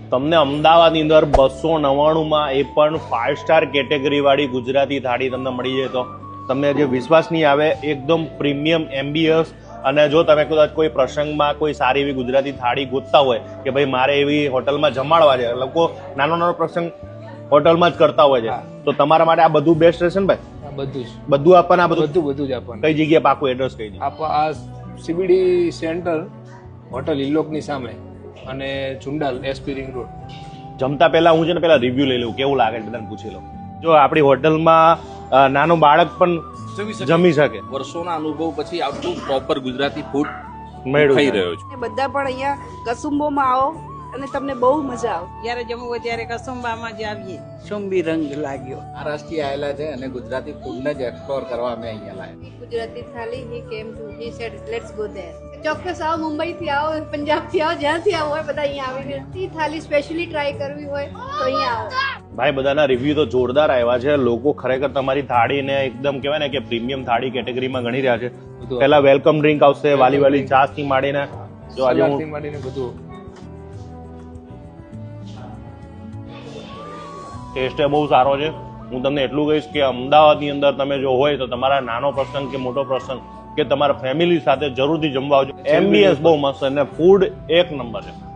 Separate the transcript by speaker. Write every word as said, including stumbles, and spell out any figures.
Speaker 1: તમને અમદાવાદની અંદર બસો નવ્વાણુંમાં એ પણ ફાઇવ સ્ટાર કેટેગરી વાળી ગુજરાતી થાળી તમને મળી જાય તો તમને જે વિશ્વાસ નહીં આવે, એકદમ પ્રીમિયમ એમ્બિયન્સ. અને જો તમે કદાચ કોઈ પ્રસંગમાં કોઈ સારી એવી ગુજરાતી થાળી ગોતતા હોય કે ભાઈ મારે એવી હોટલમાં જમાડવા છે, લોકો નાનો નાનો પ્રસંગ હોટલમાં જ કરતા હોય છે, તો તમારા માટે આ બધું બેસ્ટ રહેશે ને ભાઈ?
Speaker 2: બધું જ
Speaker 1: બધું આપવાના? બધું
Speaker 2: બધું બધું જ આપવાનું.
Speaker 1: કઈ જગ્યાએ પાકું એડ્રેસ કહી દે.
Speaker 2: આ સીબીડી સેન્ટર હોટલ ઇલોકની સામે અને ચુંડાલ એસપી રિંગ રોડ.
Speaker 1: જમતા પહેલા હું છે ને પેલા રિવ્યુ લઈ લઉં, કેવું લાગે છે બધાને પૂછી લઉં. જો આપણી હોટલમાં નાનું બાળક પણ જમી શકે,
Speaker 3: વર્ષોના અનુભવ પછી આટલું પ્રોપર ગુજરાતી ફૂડ
Speaker 1: મેળવી
Speaker 3: ખાઈ રહ્યો છું.
Speaker 4: બધા પણ અહીંયા કસુંબોમાં આવો અને તમને બહુ મજા આવે.
Speaker 5: જ્યારે જમવું હોય ત્યારે કસુંબામાં જ આવીએ. સુંબી રંગ લાગ્યો.
Speaker 6: મહારાષ્ટ્રથી આવેલા છે અને ગુજરાતી ફૂડને જ એક્સપ્લોર કરવા અમે અહીંયા લાવ્યા.
Speaker 7: Gujarati thali he came to he said let's go there. ચોક્કસ આવો, મુંબઈથી આવો, પંજાબથી આવો, જ્યાંથી આવો હોય બધા અહીંયા આવીને ઈ થાળી સ્પેશિયલી ટ્રાય કરવી હોય તો અહીંયા આવો.
Speaker 1: ભાઈ બધાના રિવ્યુ તો જોરદાર આવ્યા છે. લોકો ખરેખર તમારી થાળીને એકદમ કહેવાય ને કે પ્રીમિયમ થાળી કેટેગરીમાં ગણી રહ્યા છે. પહેલા વેલકમ ડ્રિંક આવશે, વાલી વાલી છાશ થી માંડીને જો આજે હું
Speaker 2: માંડીને બધું
Speaker 1: ટેસ્ટ બહુ સારો છે. હું તમને એટલું કહીશ કે અમદાવાદની અંદર તમે જો હોય તો તમારા નાનો પ્રસંગ કે મોટો પ્રસંગ કે તમારા ફેમિલી સાથે જરૂરથી જમવા આવજો. એમ્બિયન્સ બહુ મસ્ત અને ફૂડ એક નંબર છે.